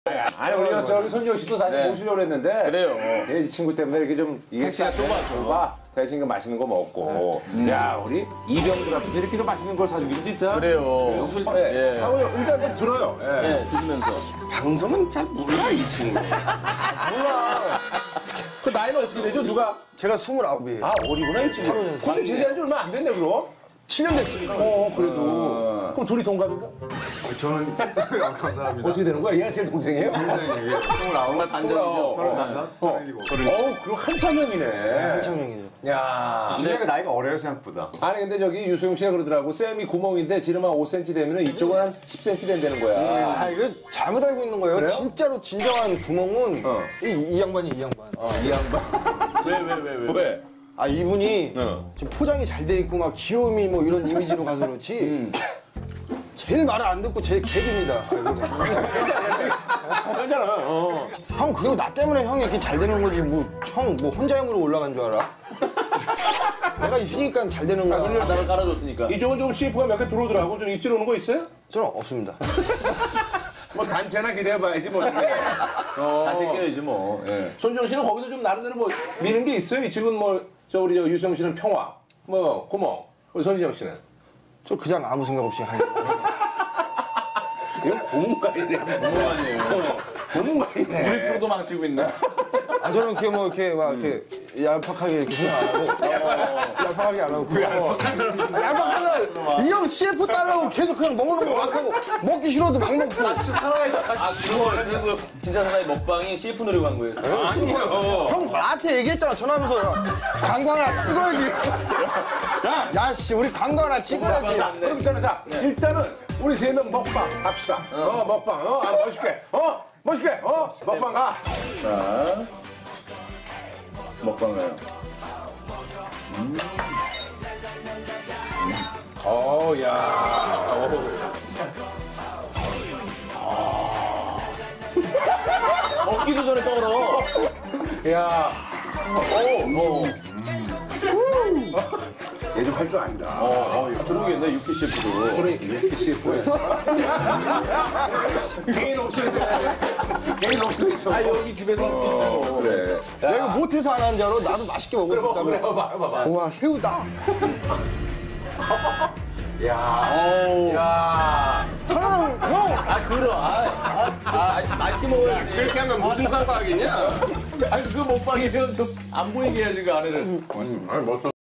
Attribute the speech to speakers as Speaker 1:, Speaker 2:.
Speaker 1: 아니 우리가 저기 손지영 씨도 사실 모시려고 했는데
Speaker 2: 그래요.
Speaker 1: 이 친구 때문에 이렇게 좀
Speaker 2: 택시가 좁아서
Speaker 1: 대신 그 맛있는 거 먹고 야 우리 이병들 앞에서 이렇게 좀 맛있는 걸 사주기로 진짜
Speaker 2: 그래요.
Speaker 1: 예. 하고 일단 좀 들어요. 예.
Speaker 2: 네, 드시면서.
Speaker 3: 방송은 잘 몰라 이 친구.
Speaker 1: 몰라. 그 나이는 어떻게 되죠? 누가?
Speaker 4: 제가 29이에요.
Speaker 1: 아 어리구나 이 친구. 근데 제대한 지 얼마 안 됐네 그럼.
Speaker 4: 7년 됐습니다.
Speaker 1: 그래도. 그럼 둘이 동갑인가?
Speaker 5: 저는 감사합니다.
Speaker 1: 어떻게 되는 거야? 얘가 제일 동생이에요?
Speaker 5: 동생이에요.
Speaker 2: 정말 반전이죠.
Speaker 5: 37.
Speaker 1: 그럼 한참 형이네.
Speaker 4: 한참 형이죠.
Speaker 1: 야.
Speaker 5: 진혁이 나이가 어려요 생각보다.
Speaker 1: 아니 근데 저기 유수용 씨가 그러더라고. 쌤이 구멍인데 지름 한 5cm 되면 이쪽은 한 10cm 된다는 거야.
Speaker 4: 아, 이거 잘못 알고 있는 거예요.
Speaker 1: 그래요?
Speaker 4: 진짜로 진정한 구멍은 이 양반이 이 양반.
Speaker 1: 이 양반. 왜?
Speaker 4: 아, 이분이 지금 포장이 잘 돼 있고 막 귀요미 뭐 이런 이미지로 가서 그렇지. 제일 말을 안 듣고 제일 개그입니다.
Speaker 1: 그러잖아.
Speaker 4: 형, 그리고 나 때문에 형이 이렇게 잘 되는 거지. 뭐, 형, 뭐 혼자 형으로 올라간 줄 알아? 내가 있으니까 잘 되는 거야.
Speaker 2: 바닥을 깔아줬으니까.
Speaker 1: 이쪽은 좀 CF가 몇 개 들어오더라고. 좀 입질 오는 거 있어요?
Speaker 4: 저는 없습니다.
Speaker 1: 뭐 단체나 기대해봐야지 뭐.
Speaker 2: 단체 끼워야지 뭐. 예.
Speaker 1: 손지영 씨는 거기서 좀 나름대로 뭐 미는 게 있어요? 이 친구는 뭐, 우리 유수영 씨는 평화, 뭐, 구멍. 우리 손지영 씨는?
Speaker 4: 저 그냥 아무 생각 없이 하는 거예요.
Speaker 1: 이건 고문가이네.
Speaker 2: 아니에요.
Speaker 1: 고문가이네.
Speaker 2: 우리 프로도 망치고 있네.
Speaker 4: 아, 저는 이렇게 뭐 이렇게 막 이렇게 얄팍하게 이렇게 생각 안 하고. 얄팍하게 안 하고. 얄팍한 사람. 얄팍하면 이 형 CF 따라하고 계속 그냥 먹는 거 막 하고 먹기 싫어도 막 먹고.
Speaker 2: 같이 살아야 같이 그거 진짜 사나이 먹방이 CF 노리고 한 거예요.
Speaker 4: 아니요. 형 나한테 얘기했잖아 전화하면서. 광고 하나 찍어야지. 야, 씨, 우리 광고 하나 찍어야지.
Speaker 1: 그럼 있잖아. 자, 일단은 우리 세 명 먹방 합시다. 먹방. 아, 멋있게. 멋있게. 먹방 가.
Speaker 2: 자, 먹방 가요.
Speaker 1: 야.
Speaker 2: 먹기도 전에 떨어.
Speaker 1: 야. 얘 좀 할 줄 안다.
Speaker 2: 들어오겠네, 유키 CF도.
Speaker 1: 그래, 이렇게 CF에서. 개인 옵션에서. 개인 옵션에서.
Speaker 2: 아, 여기 집에서 있지 뭐.
Speaker 1: 그래.
Speaker 4: 내가 못해서 안 하는 줄 알아? 나도 맛있게 먹을 수
Speaker 1: 그래,
Speaker 4: 있다며.
Speaker 1: 봐봐.
Speaker 4: 우와, 새우다.
Speaker 1: 야. 야.
Speaker 4: 형!
Speaker 2: 아, 맛있게 먹어야지.
Speaker 3: 그렇게 하면 무슨 광고 하겠냐?
Speaker 2: 아니, 그 먹방이면 좀 안 보이게 해야지, 그 안에는.
Speaker 1: 아니, 멋있어.